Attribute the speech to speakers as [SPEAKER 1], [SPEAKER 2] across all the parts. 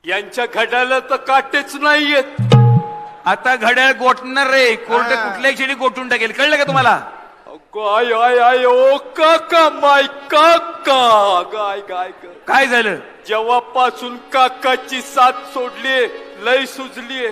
[SPEAKER 1] यांच्या घड्याला तर काटेच नाहीयेत.
[SPEAKER 2] आता घड्याळ गोठणार रे, कोर्ट कुठल्याही क्षणी गोठून टाकेल, कळलं का तुम्हाला?
[SPEAKER 1] गाय आय आय ओ काका माय काका गाय गाय
[SPEAKER 2] काय झालं?
[SPEAKER 1] जेव्हापासून काकाची साथ सोडली लय सुजलीये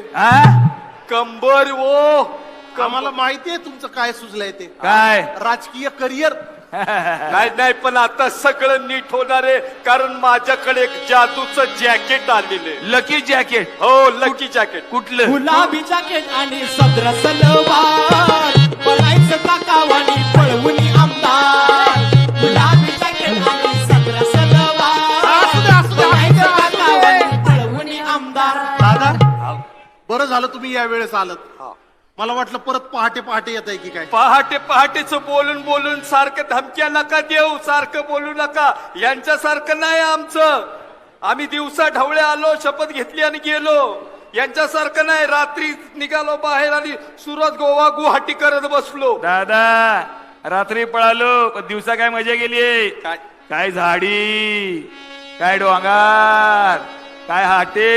[SPEAKER 1] कंबर. ओ
[SPEAKER 3] आम्हाला माहितीये तुमचं काय सुचलंय ते.
[SPEAKER 2] काय?
[SPEAKER 3] राजकीय करिअर.
[SPEAKER 1] नाही नाही, पण आता सगळं नीट होणार आहे, कारण माझ्याकडे एक जादूचं जॅकेट आलेलं आहे.
[SPEAKER 2] Lucky jacket?
[SPEAKER 1] हो, लकी जॅकेट.
[SPEAKER 2] कुठलं?
[SPEAKER 4] गुलाबी जॅकेट आणि सदर सलवार, पळायचं काकावानी पळवून आमदार. गुलाबी जॅकेट आणि सदर सलवार, पळायचं काकावानी पळवून आमदार.
[SPEAKER 3] दादा बरं झालं तुम्ही या वेळेस आलत. मला वाटलं परत पहाटे पहाटे येत आहे की काय.
[SPEAKER 1] पहाटे पहाटेच बोलून बोलून सारखं धमक्या नका देऊ, सारखं बोलू नका. यांच्यासारखं नाही आमचं. आम्ही दिवसा ढवळे आलो, शपथ घेतली आणि गेलो. यांच्यासारखं नाही, रात्री निघालो बाहेर आणि सुरत गोवा गुवाहाटी करत बसलो.
[SPEAKER 2] दादा रात्री पळालो, पण दिवसा काय मजा गेली? काय झाडी, काय डोंगर, काय हाटे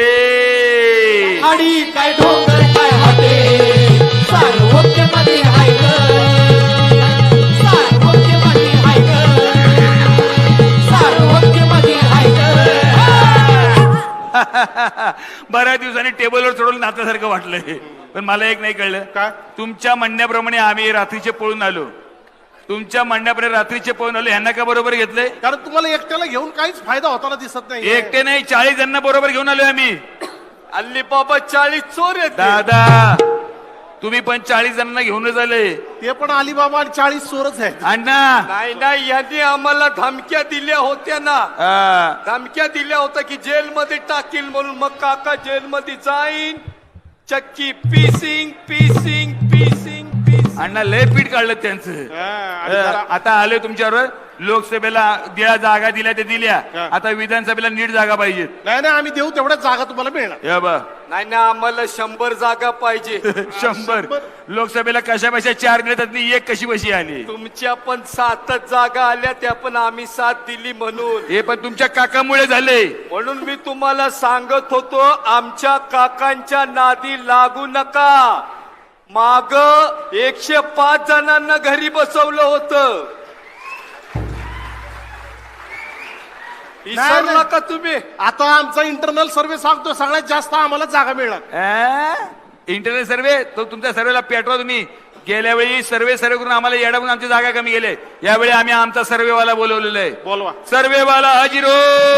[SPEAKER 4] आणि काय डोंगर काय हाटे, सार्वत्र्यमध्ये हाय ग, सार्वत्र्यमध्ये हाय ग, सार्वत्र्यमध्ये हाय ग.
[SPEAKER 2] बऱ्याच दिवसांनी टेबलवर चढवलं नात्यासारखं वाटलंय. पण मला एक नाही कळलं.
[SPEAKER 3] काय?
[SPEAKER 2] तुमच्या म्हणण्याप्रमाणे आम्ही रात्रीचे पळून आलो, तुमच्या म्हणण्याप्रमाणे रात्रीचे पळून आलो, ह्यांना का बरोबर घेतलंय?
[SPEAKER 3] कारण तुम्हाला एकट्याला घेऊन काहीच फायदा होताना दिसत नाही.
[SPEAKER 2] एकटे नाही, 40 जणांना बरोबर घेऊन आलोय आम्ही.
[SPEAKER 1] अल्ली बाबा 40 चोर आहेत.
[SPEAKER 2] दादा तुम्ही पण 40 जणांना घेऊनच आले.
[SPEAKER 3] ते पण अलिबाबा आणि 40 चोरच आहेत.
[SPEAKER 2] अण्णा
[SPEAKER 1] नाही नाही, यांनी आम्हाला धमक्या दिल्या होत्या ना. धमक्या दिल्या होत्या की जेलमध्ये टाकील म्हणून. मग काका जेलमध्ये जाईन, चक्की पीसिंग पीसिंग पीसिंग पीसिंग.
[SPEAKER 2] अण्णा लय पीठ काढलं त्यांचं. आता आलोय तुमच्यावर. लोकसभेला ज्या जागा दिल्या ते दिल्या, आता विधानसभेला नीट जागा पाहिजेत.
[SPEAKER 3] नाही नाही, आम्ही देऊ तेवढ्याच जागा तुम्हाला मिळणार.
[SPEAKER 2] या बा
[SPEAKER 1] नाही ना, आम्हाला 100 जागा पाहिजे.
[SPEAKER 2] 100 लोकसभेला कशा बशा 4 दिले, त्यातली एक कशी बशी आली.
[SPEAKER 1] तुमच्या पण 7 जागा आल्या, त्या पण आम्ही 7 दिली म्हणून.
[SPEAKER 2] हे पण तुमच्या काकामुळे झाले.
[SPEAKER 1] म्हणून मी तुम्हाला सांगत होतो, आमच्या काकांच्या नादी लागू नका. माग 105 जणांना घरी बसवलं होतं. विसरला का तुम्ही?
[SPEAKER 3] आता आमचा इंटरनल सर्व्हे सांगतो सगळ्यात जास्त आम्हाला जागा मिळणार.
[SPEAKER 2] इंटरनेट सर्वे तो तुमच्या सर्वेला पेटवा तुम्ही. गेल्या वेळी सर्वे करून आम्हाला येडावून आमची जागा कमी गेले. यावेळी आम्ही आमचा सर्वेवाला बोलवलेला आहे.
[SPEAKER 3] बोलवा.
[SPEAKER 2] सर्वेवाला हजिरो.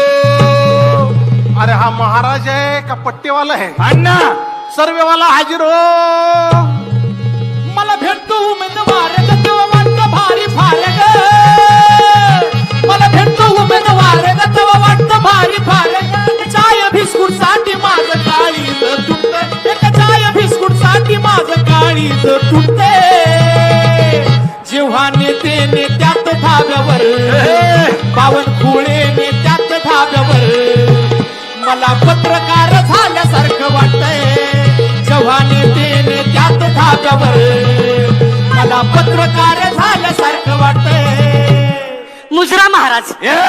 [SPEAKER 3] अरे हा महाराज आहे का पट्टेवाला आहे?
[SPEAKER 2] अण्णा
[SPEAKER 3] सर्वेवाला हाजीर हो.
[SPEAKER 4] मला भेटतो उमेदवार ग, तेव्हा वाटतं भारी फार ग. मला भेटतो उमेदवार ग, तेव्हा वाटतं भारी फार ग. चाय बिस्कुट साठी माझं काळीज तुटत, एक चाय बिस्कुट साठी माझं काळीज तुटते. जेव्हा नेते नेत्यात धाब्यावर, बावनकुळे नेत्यात धाब्यावर, मला पत्रकार झाल्यासारखं वाटतंय. जेव्हा नेते नेत्यात धाब्यावर, मला पत्रकार झाल्यासारखं वाटतंय.
[SPEAKER 5] मुजरा महाराज.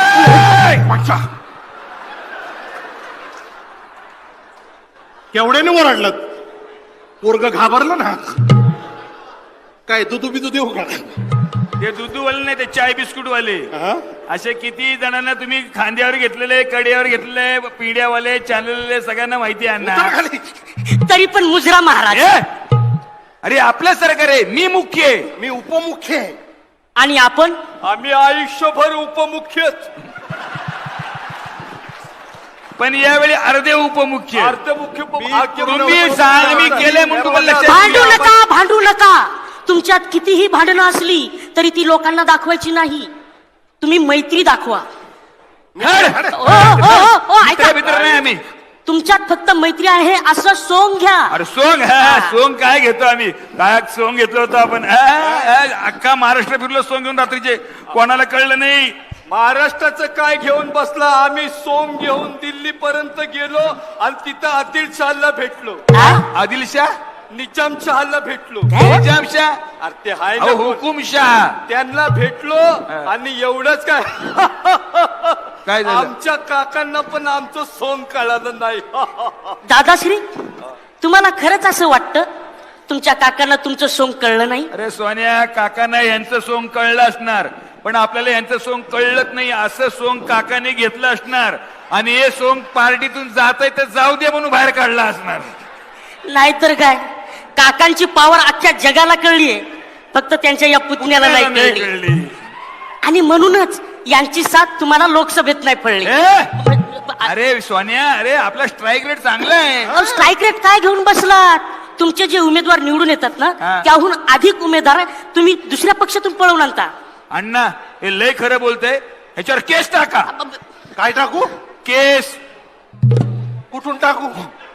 [SPEAKER 3] केवढ्याने ओरडलं? पोरग घाबरलं ना. काय दुधू बिदू देऊ का?
[SPEAKER 2] ते दूधवाले नाही, ते चाय बिस्कुट वाले. असे किती जणांना तुम्ही खांद्यावर घेतलेले, कड्यावर घेतलेले, पिढ्यावाले, चाललेले, सगळ्यांना माहिती आहे ना.
[SPEAKER 5] तरी पण मुजरा महाराज.
[SPEAKER 2] अरे आपलं सरकार आहे, मी मुख्य आहे.
[SPEAKER 3] मी उपमुख्य आहे.
[SPEAKER 5] आणि आपण
[SPEAKER 1] आम्ही आयुष्यभर उपमुख्यच.
[SPEAKER 2] पण यावेळी अर्धे उपमुख्य.
[SPEAKER 1] अर्धमुख्य
[SPEAKER 2] तुम्ही मी केले म्हणून तुम्हाला
[SPEAKER 5] भांडू
[SPEAKER 2] लक्षात.
[SPEAKER 5] नका, भांडू नका. तुमच्यात कितीही भांडणं असली तरी ती लोकांना दाखवायची नाही. तुम्ही मैत्री दाखवा.
[SPEAKER 2] ऐका मित्र नाही आम्ही.
[SPEAKER 5] तुमच्यात फक्त मैत्री आहे असं सोंग घ्या.
[SPEAKER 2] अरे सोंग सोंग काय घेतो आम्ही? काय सोंग घेतलं होतं आपण? अख्खा महाराष्ट्र फिरलो सोंग घेऊन रात्रीचे, कोणाला कळलं नाही.
[SPEAKER 1] महाराष्ट्राचं काय घेऊन बसला? आम्ही सोम घेऊन दिल्ली पर्यंत गेलो आणि तिथं आदिलशहाला भेटलो.
[SPEAKER 2] आदिलशाह,
[SPEAKER 1] निजामशहाला भेटलो.
[SPEAKER 2] निजामशाह,
[SPEAKER 1] अरे ते हाय ना
[SPEAKER 2] हुकुमशाह,
[SPEAKER 1] त्यांना भेटलो. आणि एवढंच काय
[SPEAKER 2] काय झालं?
[SPEAKER 1] आमच्या काकांना पण आमचं सोंग कळालं नाही.
[SPEAKER 5] दादाश्री तुम्हाला खरंच असं वाटतं तुमच्या काकांना तुमचं सोंग कळलं नाही?
[SPEAKER 2] अरे सोन्या, काकांना यांचं सोंग कळलं असणार, पण आपल्याला यांचं सोंग कळलंच नाही. असं सोंग काकाने घेतलं असणार आणि हे सोंग पार्टीतून जात आहे तर जाऊ दे म्हणून बाहेर काढला असणार.
[SPEAKER 5] नाहीतर काय, काकांची पावर अख्ख्या जगाला कळलीये, फक्त त्यांच्या या पुतण्याला नाही कळली.
[SPEAKER 2] कळली.
[SPEAKER 5] आणि म्हणूनच यांची साथ तुम्हाला लोकसभेत नाही पडली.
[SPEAKER 2] अरे सोन्या, अरे आपला स्ट्राईक रेट चांगला आहे.
[SPEAKER 5] स्ट्राईक रेट काय घेऊन बसलात? तुमचे जे उमेदवार निवडून येतात ना,
[SPEAKER 2] हा.
[SPEAKER 5] त्याहून अधिक उमेदवार तुम्ही दुसऱ्या पक्षातून पळवून आणता.
[SPEAKER 2] अण्णा हे लय खरं बोलतंय, ह्याच्यावर केस टाका.
[SPEAKER 3] काय टाकू?
[SPEAKER 2] केस.
[SPEAKER 3] कुठून टाकू?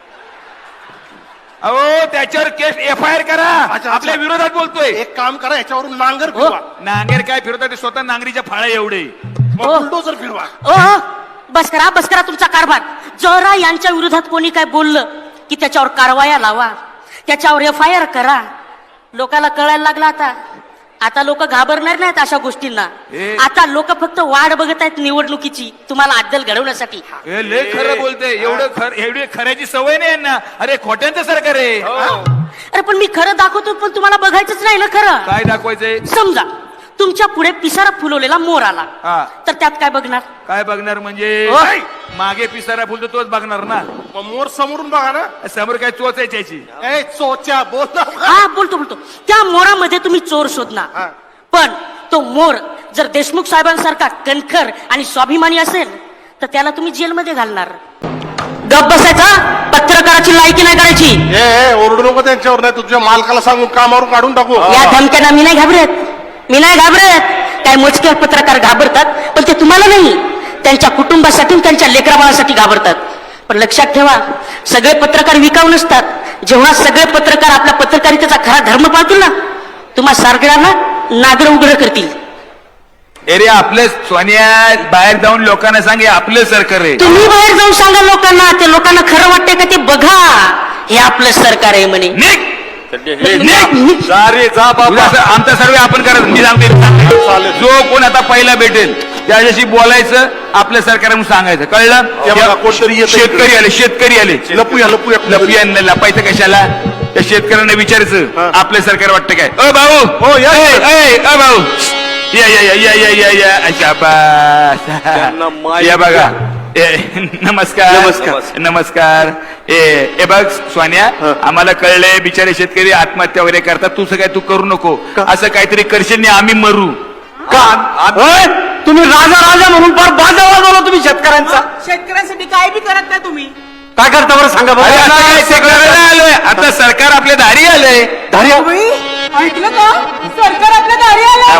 [SPEAKER 2] अहो त्याच्यावर केस FIR करा.
[SPEAKER 3] अच्छा.
[SPEAKER 2] आपल्या विरोधात बोलतोय.
[SPEAKER 3] एक काम करा, याच्यावरून नांगर फिरवा.
[SPEAKER 2] नांगेर काय फिरवतात ते स्वतः नांगरीच्या फाळ्या एवढे.
[SPEAKER 3] मग
[SPEAKER 5] हो.
[SPEAKER 3] बुलडोझर फिरवा.
[SPEAKER 5] ओ बस करा तुमचा कारभार. जरा यांच्या विरोधात कोणी काय बोललं की त्याच्यावर कारवाया लावा, त्याच्यावर FIR करा. लोकाला कळायला लागला आता लोक घाबरणार नाहीत अशा गोष्टींना. आता लोक फक्त वाट बघत आहेत निवडणुकीची, तुम्हाला अद्दल घडवण्यासाठी.
[SPEAKER 2] हे लय खरं बोलतंय. एवढी खऱ्याची सवय नाही यांना. अरे खोट्यांचं सरकार आहे.
[SPEAKER 5] अरे पण मी खरं दाखवतो, पण तुम्हाला बघायचंच नाही ना खरं.
[SPEAKER 2] काय दाखवायचंय?
[SPEAKER 5] समजा तुमच्या पुढे पिसारा फुलवलेला मोर आला,
[SPEAKER 2] हा.
[SPEAKER 5] तर त्यात काय बघणार?
[SPEAKER 2] काय बघणार म्हणजे?
[SPEAKER 5] ओय!
[SPEAKER 2] मागे पिसारा फुलतो तोच बघणार ना.
[SPEAKER 3] मग मोर समोरून बघा ना.
[SPEAKER 2] समोर काय चोचायची याची.
[SPEAKER 3] ए चोच्या बोल ना.
[SPEAKER 5] हा बोलतो त्या मोरामध्ये तुम्ही चोर शोधणार.
[SPEAKER 3] हा.
[SPEAKER 5] पण तो मोर जर देशमुख साहेबांसारखा कणखर आणि स्वाभिमानी असेल तर त्याला तुम्ही जेलमध्ये घालणार. गप बसायचा, पत्रकाराची लायकी नाही करायची.
[SPEAKER 3] ए ओरडू नको त्यांच्यावर, नाही तुझ्या मालकाला सांगून कामावरून काढून टाकू.
[SPEAKER 5] या धमक्यांना मी नाही घाबरत. काय मोजके पत्रकार घाबरतात, पण ते तुम्हाला नाही, त्यांच्या कुटुंबासाठी त्यांच्या लेकराबाळासाठी घाबरतात. पण लक्षात ठेवा, सगळे पत्रकार विकाऊ नसतात. जेव्हा सगळे पत्रकार आपल्या पत्रकारितेचा खरा धर्म पाळतील ना, तुम्हा सगळ्यांना नागर उघड करतील.
[SPEAKER 2] अरे आपलं सोन्या, बाहेर जाऊन लोकांना सांगे आपलं सरकार आहे.
[SPEAKER 5] तुम्ही बाहेर जाऊन सांगा लोकांना, ते लोकांना खरं वाटतंय का ते बघा, हे आपलं सरकार आहे म्हणे.
[SPEAKER 2] निघ!
[SPEAKER 1] सारे जा बाबा.
[SPEAKER 2] आमचा सर्वे आपण करत. मी सांगते, जो कोण आता पहिला भेटेल त्याच्याशी बोलायचं, आपलं सरकार म्हणून सांगायचं. कळलं?
[SPEAKER 3] हे बघा, कोणतरी येतंय
[SPEAKER 2] शेतकरी आले.
[SPEAKER 3] लपूया.
[SPEAKER 2] लपायचं कशाला? त्या शेतकऱ्यांना विचारायचं आपलं सरकार वाटतं काय. ओ भाऊ,
[SPEAKER 3] हो, या.
[SPEAKER 2] ओ भाऊ, या.
[SPEAKER 1] त्यांना माहित
[SPEAKER 2] या बघा. नमस्कार. ए बघ सोन्या, आम्हाला कळलंय बिचारे शेतकरी आत्महत्या वगैरे करतात. तू सगळं तू करू नको. असं काहीतरी करशील नाही, आम्ही मरू.
[SPEAKER 6] तुम्ही राजा म्हणून फार बाजा वाजवला तुम्ही शेतकऱ्यांचा.
[SPEAKER 7] शेतकऱ्यांसाठी काय बी करत नाही तुम्ही.
[SPEAKER 6] काय करता बरं सांगा
[SPEAKER 2] अरे आता काय
[SPEAKER 6] बरं.
[SPEAKER 2] शेतकऱ्याला आलोय, आता सरकार आपल्या दारी आलंय.
[SPEAKER 7] ऐकलं का? सरकार आपल्या दारी आलं.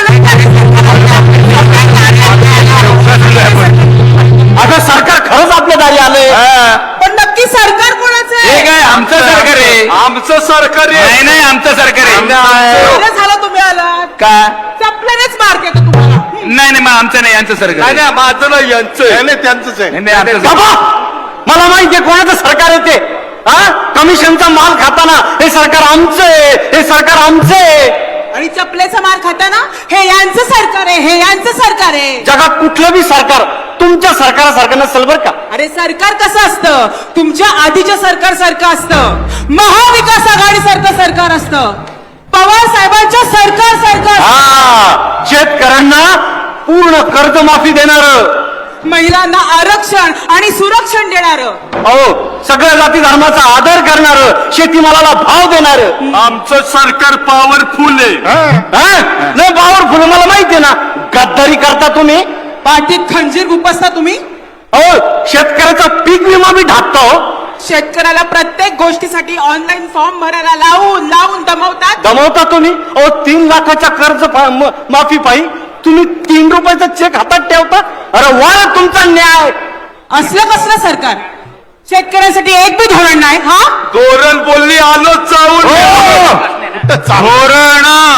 [SPEAKER 6] आता सरकार खरंच आपल्या दारी आलंय.
[SPEAKER 7] पण नक्की सरकार कोणाचं
[SPEAKER 2] हे
[SPEAKER 7] आहे?
[SPEAKER 2] काय आमचं सरकार आहे.
[SPEAKER 1] आमचं सरकार आहे.
[SPEAKER 2] नाही आमचं सरकार आहे.
[SPEAKER 7] बरं झालं तुम्ही आलात.
[SPEAKER 2] का?
[SPEAKER 7] चपल्यानेच मार केला तुम्हाला.
[SPEAKER 2] नाही मग आमचं नाही, यांचं सरकार आहे.
[SPEAKER 1] नाही माझं नाही, यांचं आहे.
[SPEAKER 3] नाही त्यांचंच आहे.
[SPEAKER 2] नाही, आमचं सरकार.
[SPEAKER 6] बाबा, मला माहितीये कोणाचं सरकार आहे ते. कमिशनचा माल खाताना हे सरकार आमचं आहे, हे सरकार आमचं आहे.
[SPEAKER 7] आणि चपलेचा मार खाताना हे यांचं सरकार आहे, हे यांचं सरकार आहे.
[SPEAKER 6] जगात कुठलं बी सरकार तुमच्या सरकारासारखं नसेल बरं का.
[SPEAKER 7] अरे सरकार कसं असतं? तुमच्या आधीच्या सरकार सारखं असतं. महाविकास आघाडी सारखं सरकार असतं. पवार साहेबांच्या सरकार सारखं.
[SPEAKER 6] शेतकऱ्यांना पूर्ण कर्जमाफी देणार,
[SPEAKER 7] महिलांना आरक्षण आणि सुरक्षण देणार,
[SPEAKER 6] अहो सगळ्या जाती धर्माचा आदर करणार, शेतीमालाला भाव देणार.
[SPEAKER 1] आमचं सरकार पॉवरफुल आहे.
[SPEAKER 6] नाही पॉवरफुल, मला माहितीये ना. गद्दारी करता तुम्ही,
[SPEAKER 7] पाठीत खंजीर गुपसता तुम्ही.
[SPEAKER 6] अहो शेतकऱ्याचा पीक विमा बी ढाकता. हो,
[SPEAKER 7] शेतकऱ्याला प्रत्येक गोष्टीसाठी ऑनलाईन फॉर्म भरायला लावून दमवतात.
[SPEAKER 6] दमवता तुम्ही. अहो 3 लाखाच्या कर्ज माफी पायी तुम्ही 3 रुपयाचा चेक हातात ठेवता. अरे वा तुमचा न्याय.
[SPEAKER 7] असलं कसलं सरकार? शेतकऱ्यांसाठी एक बी धोरण नाही. हा
[SPEAKER 1] धोरण बोलली आलो चावून.
[SPEAKER 2] धोरण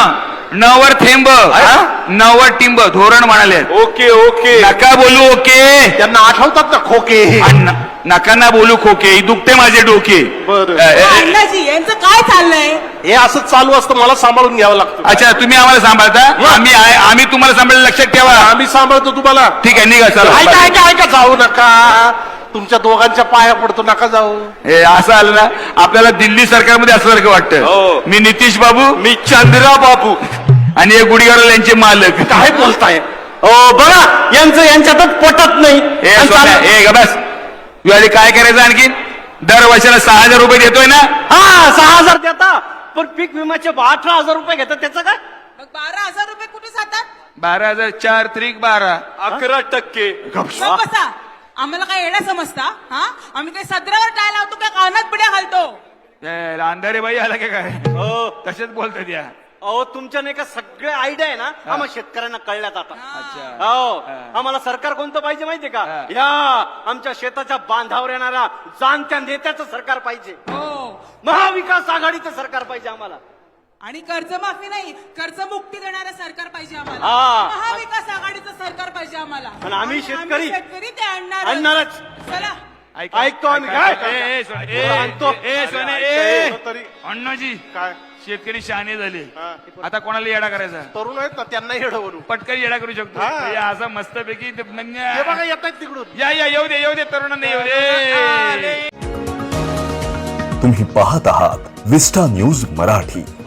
[SPEAKER 2] नवर थेंब नवर टिंब धोरण म्हणाले.
[SPEAKER 1] ओके ओके
[SPEAKER 2] नका बोलू ओके.
[SPEAKER 3] त्यांना आठवतात ना खोके
[SPEAKER 2] नका ना बोलू खोके. दुखते माझे डोके.
[SPEAKER 3] बरं.
[SPEAKER 7] अण्णाजी यांचं काय चाललंय?
[SPEAKER 3] हे असं चालू असतं, मला सांभाळून घ्यावं लागतं.
[SPEAKER 2] अच्छा तुम्ही आम्हाला सांभाळता. आम्ही तुम्हाला सांभाळलं. लक्षात ठेवा.
[SPEAKER 3] आम्ही सांभाळतो तुम्हाला.
[SPEAKER 2] ठीक आहे निघा
[SPEAKER 3] ऐका
[SPEAKER 2] चला.
[SPEAKER 3] ऐका ऐका, जाऊ नका. तुमच्या दोघांच्या पाया पडतो, नका जाऊ.
[SPEAKER 2] हे असं आलं ना आपल्याला दिल्ली सरकारमध्ये असल्यासारखं
[SPEAKER 1] हो.
[SPEAKER 2] वाटतं. मी नितीश बाबू
[SPEAKER 1] मी चंद्रा बाबू
[SPEAKER 2] आणि हे गुढीगाडल यांचे मालक.
[SPEAKER 3] काय बोलताय?
[SPEAKER 6] हो बघा यांचं यांच्यातच पटत नाही.
[SPEAKER 2] हे
[SPEAKER 6] आणि
[SPEAKER 2] सोन्या,
[SPEAKER 6] चाल-
[SPEAKER 2] हे ग बस. तू आधी काय करायचं आणखीन? दर वर्षाला 6,000 रुपये देतोय ना.
[SPEAKER 6] हा 6,000 देता, पण पीक विम्याचे 18,000 रुपये घेतात. त्याचं काय?
[SPEAKER 7] मग 12,000 रुपये कुठे जातात?
[SPEAKER 2] 12,000 4 त्रिक 12.
[SPEAKER 1] 11%.
[SPEAKER 7] मग बसा. आम्हाला काय येणं समजता? हा आम्ही काही सदरावर टाय लावतो काय कानात पिढ्या घालतो?
[SPEAKER 2] अंधारे बाई आला का काय? तसेच बोलतात या.
[SPEAKER 6] अहो तुमच्या नाही का सगळे आयडिया आहे ना आम्हाला शेतकऱ्यांना कळल्यात आता. हो आम्हाला सरकार कोणतं पाहिजे माहितीये का? या आमच्या शेताच्या बांधावर येणाऱ्या जाणत्या नेत्याचं सरकार पाहिजे.
[SPEAKER 7] हो.
[SPEAKER 6] महाविकास आघाडीचं सरकार पाहिजे आम्हाला.
[SPEAKER 7] आणि कर्जमाफी नाही कर्जमुक्ती देणारं सरकार पाहिजे आम्हाला.
[SPEAKER 6] हा.
[SPEAKER 7] महाविकास आघाडीचं सरकार पाहिजे आम्हाला.
[SPEAKER 6] आणि आम्ही शेतकरी
[SPEAKER 7] ते
[SPEAKER 6] आणणारच.
[SPEAKER 7] चला.
[SPEAKER 3] ऐकतो आम्ही. काय
[SPEAKER 6] आणतो.
[SPEAKER 3] तरी
[SPEAKER 2] अण्णाजी
[SPEAKER 3] काय
[SPEAKER 2] शेतकरी शहाणे झाले. आता कोणाला येडा करायचा?
[SPEAKER 3] तरुण आहेत ना, त्यांना येडवरू.
[SPEAKER 2] पटकन येडा करू शकतो.
[SPEAKER 3] हा.
[SPEAKER 2] हे असं मस्तपैकी
[SPEAKER 3] हे बघा येत आहेत तिकडून.
[SPEAKER 2] या येऊ दे तरुणांना येऊ दे.
[SPEAKER 8] तुम्ही पाहत आहात विस्टा न्यूज मराठी.